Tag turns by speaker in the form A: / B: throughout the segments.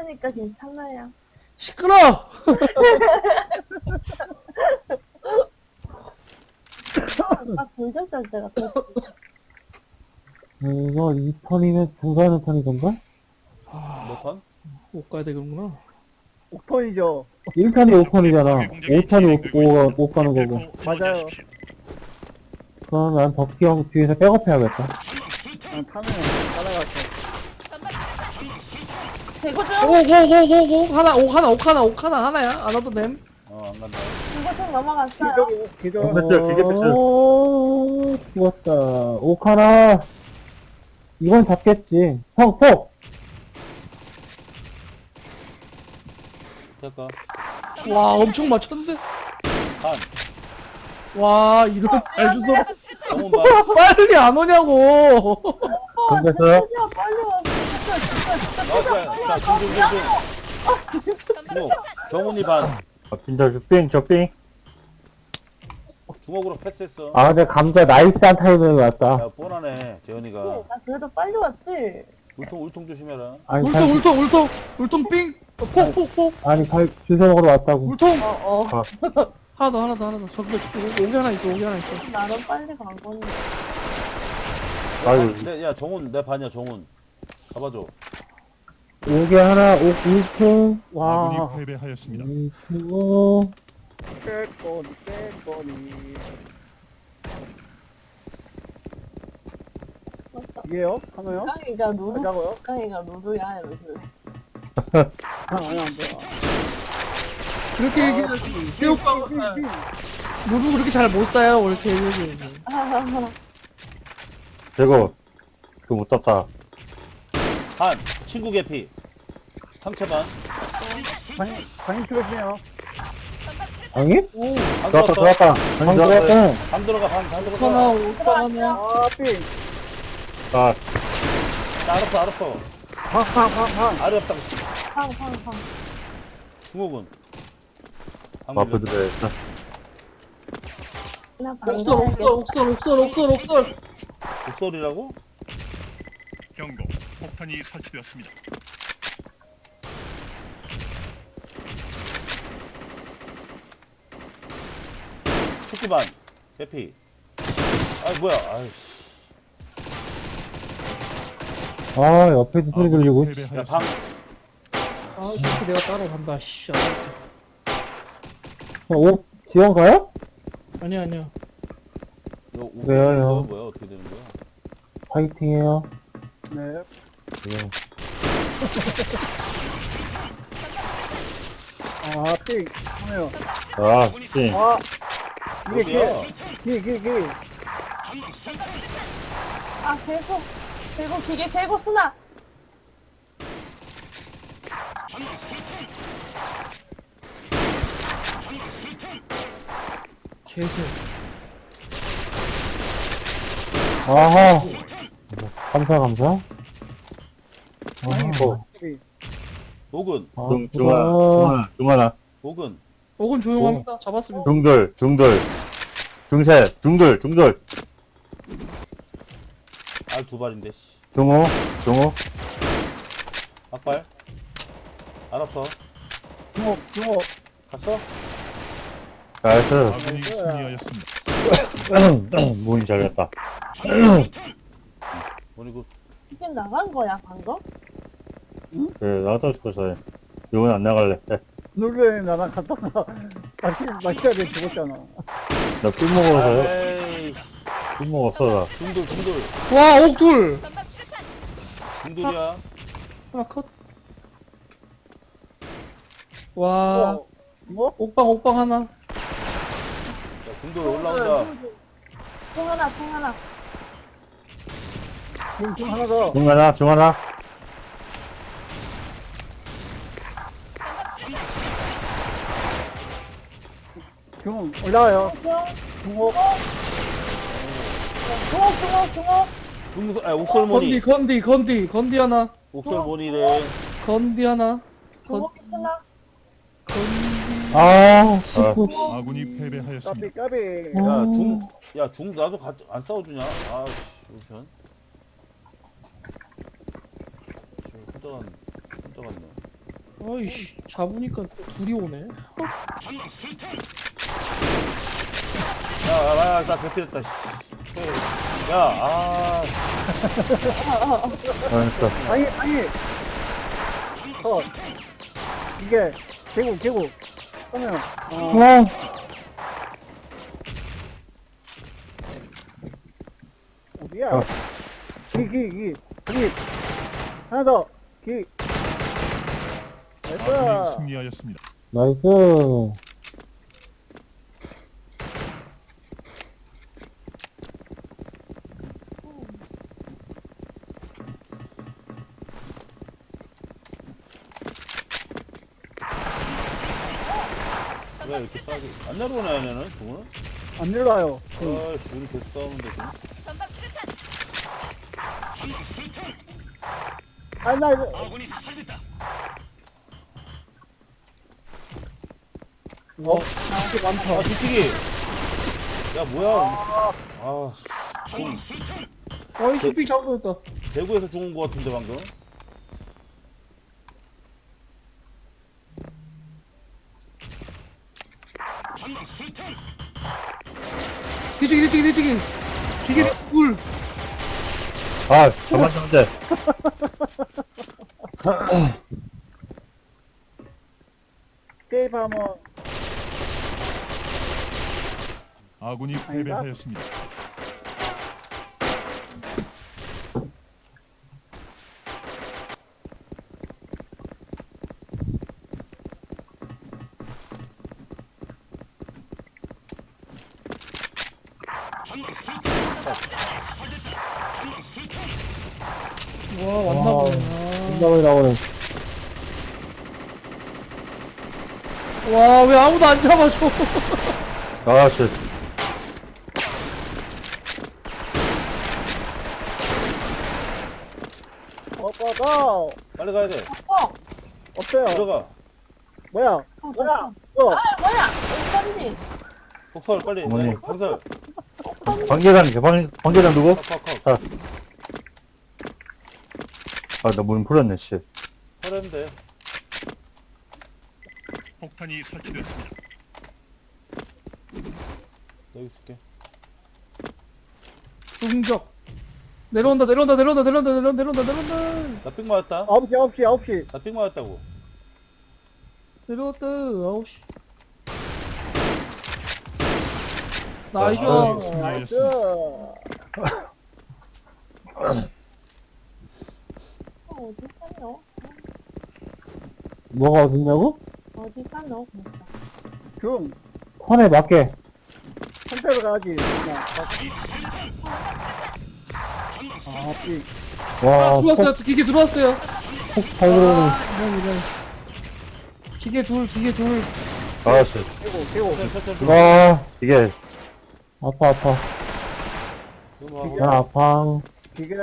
A: 있으니까 괜찮아요.
B: 시끄러!
A: 아까 돌렸을 때가 더
C: 이거 2턴이면 중간에 턴이던가?
D: 몇 턴?
B: 못 가야 되는구나.
E: 5턴이죠.
C: 1턴이 5턴이잖아. 5턴이 5 가는 거고.
E: 맞아요.
C: 그럼 난 덕기 형 뒤에서 백업해야겠다.
E: 타면 따라갔어.
A: 대구 좀
B: 오오오오오 하나 하나야. 안 와도 됨.
D: 안 간다.
A: 이거 좀 넘어갔어요.
E: 기절.
C: 오, 죽었다. 오카나. 이건 잡겠지. 형, 폭!
D: 될까?
B: 와 엄청 맞췄는데.
D: 한.
B: 와 이런 잘 주소.
D: 정훈 봐.
B: 빨리 안 오냐고.
C: 근데서요?
A: 빨리 와.
D: 자, 중중. 정훈이 반.
C: 저 삥.
D: 주먹으로 패스했어.
C: 아, 근데 감자 나이스한 타이밍에 왔다.
D: 야, 뻔하네, 재현이가.
A: 나 그래도 빨리 왔지.
D: 울통 조심해라.
C: 아니,
B: 울통 삥. 폭.
C: 아니, 주워 먹으러 왔다고.
B: 울통.
A: 어.
B: 하나 더. 저기 오기 하나 있어.
A: 나는 빨리 간 건데.
C: 아유.
D: 야, 정훈, 내 반이야, 정훈. 잡아줘.
C: 오개 하나, 1층. 와.
F: 아군이 패배하였습니다.
C: 1층.
E: 깨꼬니. 이게요? 하나요?
A: 깡이가 누루.
E: 하자고요?
A: 깡이가 누루야 이러면서.
E: 아니, 안 돼.
B: 그렇게 얘기하지. 교육과가 누구 그렇게 잘 못 사요. 이렇게 얘기해.
C: 저거, 그거 못 잡다.
D: 한. 친구 개피. 상체 반.
E: 방이 틀어주네요.
C: 아니?
D: 반
C: 들어왔다,
D: 들어갔어.
C: 방 들어왔다.
D: 반 들어가.
B: 하나
D: 들어가.
B: 오빠 하나.
E: 아, 삥.
C: 아,
D: 알았어.
E: 팡.
D: 알이 없다고.
A: 팡팡팡.
D: 중옥은.
C: 마프도 됐어.
A: 나
B: 옥설.
D: 목소리라고?
F: 경고. 폭탄이 설치되었습니다.
D: 축구 반. 개피. 아이, 뭐야. 아이씨.
C: 아, 옆에도 소리 들리고.
D: 야,
F: 패배하였습니다.
D: 방.
B: 아 이렇게 내가 따라간다. 씨.
C: 지원 가요?
B: 아니야.
C: 왜요?
D: 뭐야, 어떻게 되는 거야?
C: 파이팅해요.
E: 네. 아, 삥. 하나요.
C: 아, 씨.
E: 아, 이게
D: 어디야?
E: 기.
A: 아 계속 기계 계속 쓰나.
B: 개새.
C: 아하. 감사.
E: 삥.
D: 녹은.
C: 아,
G: 중하나,
D: 녹은.
B: 옥은 조용합니다. 잡았습니다.
G: 중돌, 중셋, 중돌,
D: 알 두 발인데, 씨.
G: 중호,
D: 앞발. 알았어.
E: 중옥.
D: 갔어?
G: 나이스.
F: 아군이 승리하였습니다.
G: 문이 잘렸다.
D: 뭐니고.
A: 이게 나간 거야 방금?
G: 그래, 나도 싶어서. 이건 안 나갈래.
E: 놀래, 나랑 갔다가, 마셔야 돼, 죽었잖아.
G: 나꿀 먹어서요?
D: 에이.
G: 꿀 먹었어, 나.
D: 중돌.
B: 와 옥둘.
D: 중돌이야.
B: 하나 컷. 와
E: 뭐?
B: 옥방 하나.
D: 야, 중돌 올라온다.
A: 통 하나.
E: 중 하나 더.
G: 중하나.
E: 중, 올라와요. 중옥.
A: 중옥.
D: 옥설모니.
B: 건디 하나.
D: 옥설모니래.
B: 건디 하나.
A: 중옥 쓰나.
C: 아, 씨고, 씨.
F: 아군이 패배하였습니다.
E: 까비.
D: 야, 나도 같이, 안 싸워주냐? 아, 씨, 우리 편. 씨, 혼자 갔네.
B: 아이씨, 잡으니까 둘이 오네.
D: 나 개피됐다, 씨. 야,
C: 그러니까.
E: 아니. 이게, 개구. 그러면, 어디야?
C: 어.
E: 기. 하나 더. 기.
F: 아군이
E: 됐어.
F: 승리하였습니다.
C: 나이스.
D: 왜 이렇게 싸게. 안 내려오네, 얘네는, 중은?
E: 안 내려와요.
D: 아이씨, 우리 계속 싸우는데, 지금.
E: 나 이거. 이게 많다.
D: 아, 뒤치기! 야, 뭐야. 아, 중,
B: 어이, 슈핑 잡아줬다.
D: 대구에서 죽은 거 같은데, 방금.
B: 뒤치기. 기계 둘.
G: 아, 잠만 돼.
E: 게임 하면,
F: 아군이 패배하였습니다.
B: 와, 왔나 보네.
C: 생각이 나오네.
B: 와, 왜 아무도 안 잡아줘.
G: 아, 씨.
E: 오빠가,
D: 빨리 가야 돼.
E: 없어요.
D: 들어가.
E: 뭐야?
A: 뭐야?
E: 어,
A: 뭐야? 어디까지?
D: 폭설, 빨리.
G: 어머니.
D: 폭설.
G: 관계장 누구?
D: 컷.
G: 아, 나 문 풀었네, 씨.
D: 털했는데.
F: 폭탄이 설치되었습니다.
D: 여기 있을게.
B: 중적. 내려온다.
D: 나 삑 맞았다.
E: 9시.
D: 나 삑 맞았다고.
B: 내려왔다. 9시. 나이스.
F: 아군이
E: 나이스.
F: 승리하였습니다.
A: 어디 갔노?
C: 뭐가 어딨냐고?
A: 어디 갔노?
E: 중.
C: 판에 맞게.
E: 선택을 가야지. 그냥. 삐.
C: 와,
B: 들어왔어요. 기계 들어왔어요.
C: 잘 들어오네.
B: 이런. 기계 둘.
G: 아, 씨.
E: 개고.
D: 천천히.
C: 와,
G: 이게,
C: 아파.
D: 이거 하고.
C: 나 아파.
E: 기계.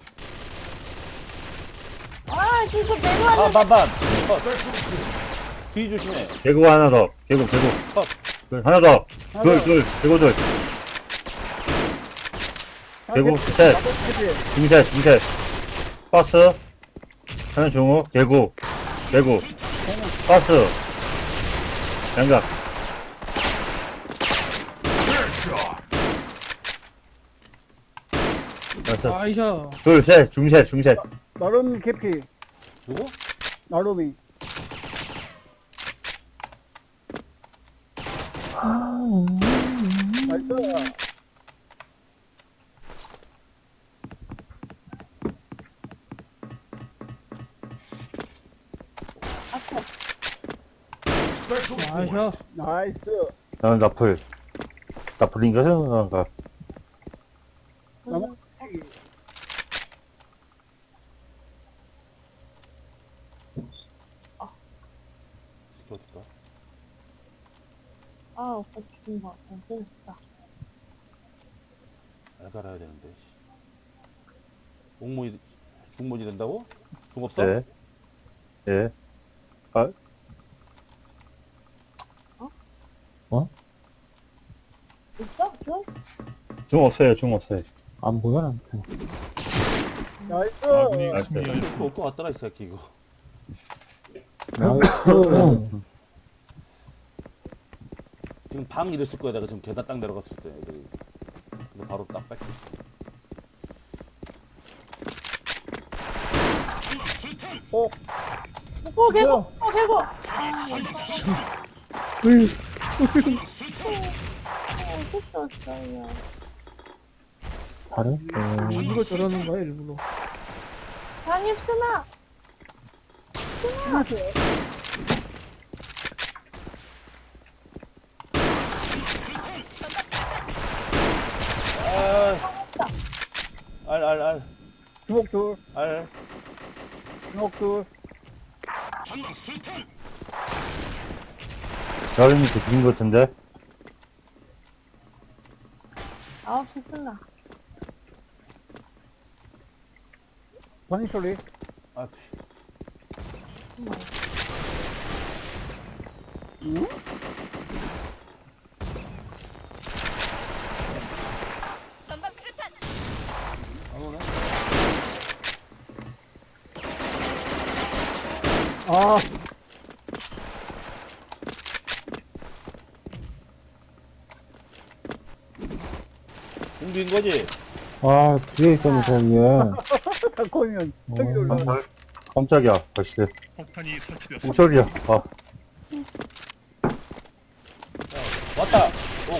A: 아, 진짜 내려와.
D: 아, 반반. 컷. 뒤 조심해.
G: 개구 하나 더. 개구.
D: 컷.
G: 하나 더. 둘. 개구 둘. 개구, 셋. 중셋. 버스. 하나 중호. 개구. 버스. 양각. 됐어.
B: 나이샤.
G: 둘, 셋. 중셋.
E: 나름 개피.
D: 누구?
E: 나름이. 나이스.
B: 나이샤.
E: 나이스.
G: 나는 나풀. 나풀인가 생각한가?
E: 나무.
D: 새끼 어딨다.
A: 아, 오빠 죽은 거 같아. 재밌다.
D: 알갈아야 되는데. 씨. 중모이 된다고? 중 없어?
G: 네. 예. 아,
A: 있어? 좀?
G: 중 없어요.
C: 안 보여, 나한테.
E: 나이스.
F: 아군이
G: 나이스.
F: 승리하였습니다.
D: 또 왔더라, 이 새끼, 이거.
C: 나이스.
D: 지금 방 이랬을 거야. 내가 지금 계단 딱 내려갔을 때 애들이. 근데 바로 딱 뺏겼어.
A: 개고 개고.
B: 으이,
A: 어딨었어요.
C: 잘했어.
B: 일부러 저러는 거야, 일부러.
A: 장입 쓰나.
D: 알.
E: 주먹 둘,
D: 알.
E: 주먹 둘.
G: 여름이 들린 것 같은데?
A: 9시 쓰나.
E: 번이 소리.
D: 아,
H: 전방 수류탄.
D: 안 오네.
E: 아,
D: 공비인 거지?
C: 아, 뒤에 있었네, 저 위에.
E: 닭고이면 저기 올라.
G: 깜짝이야. 벌써.
F: 폭탄이 설치되었습니다.
G: 우설이야. 아,
D: 왔다. 오.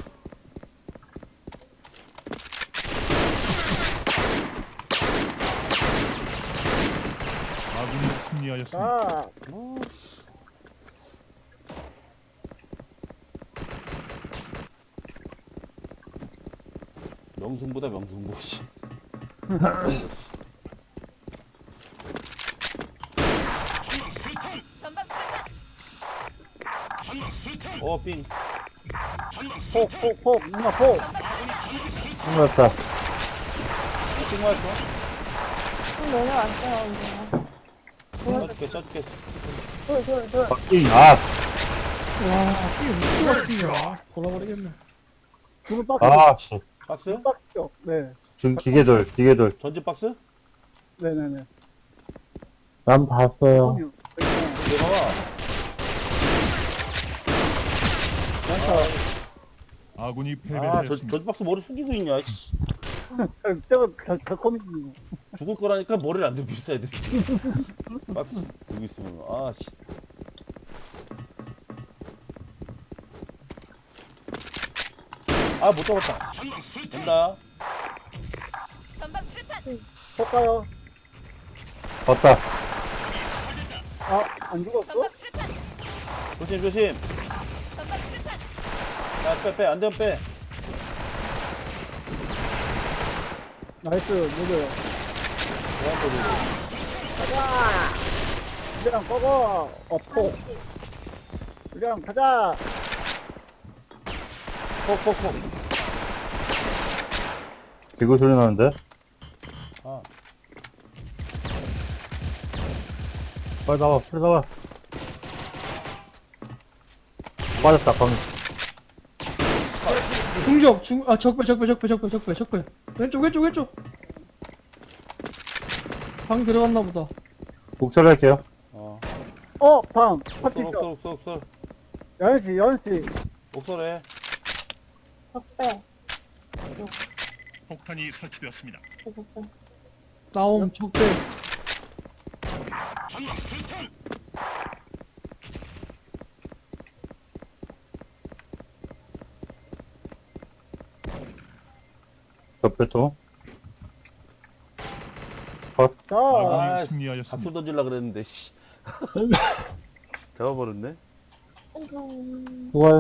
F: 아군이 승리하였습니다.
E: 아,
D: 명승보다 명승보 씨.
H: 전방 수류탄.
D: 삥.
E: 폭, 누나 폭.
G: 끝났다.
D: 삥 맞았어?
A: 좀 내려왔어요, 이제.
D: 쪄줄게.
A: 둘.
G: 박빙. 아,
B: 와, 이게 무슨 박이야. 돌아버리겠네.
E: 주문 박스.
G: 아, 씨.
D: 박스?
E: 박스죠. 네,
G: 기계돌.
D: 전지 박스?
E: 네네네.
C: 난 봤어요.
E: 형님,
D: 내려와.
F: 아군이
D: 아,
F: 패배하였습니다.
D: 전지 박스 머리 숙이고 있냐? 씨.
E: 저거 닭고기.
D: 죽을 거라니까 머리를 안 들고 있어, 애들이. 박스 들고 있으면. 아, 씨. 아, 못 잡았다. 된다.
H: 전방 수류탄.
E: 폭 가요.
G: 왔다.
E: 아, 안 죽었어?
H: 전방 수류탄.
D: 조심.
H: 전방 수류탄.
D: 야, 빼. 안 되면 빼.
E: 나이스, 누구요? 우리랑 꺼고. 폭. 우리랑 가자.
D: 폭.
G: 기구 소리 나는데?
D: 아,
G: 빨리 나와. 빠졌다, 방금.
B: 적배. 왼쪽. 방 들어갔나 보다.
G: 목소리 할게요.
E: 방. 파티 있어.
D: 옥설.
E: 연씨.
D: 옥설해.
A: 적배.
F: 폭탄이 설치되었습니다.
A: 적배.
B: 나옴, 적배.
G: 옆배통.
E: 자,
F: 아군이
D: 아,
F: 승리하였습니다.
D: 박수 던질라 그랬는데, 씨. 잡아버렸네.
A: 아이고.
C: 좋아요.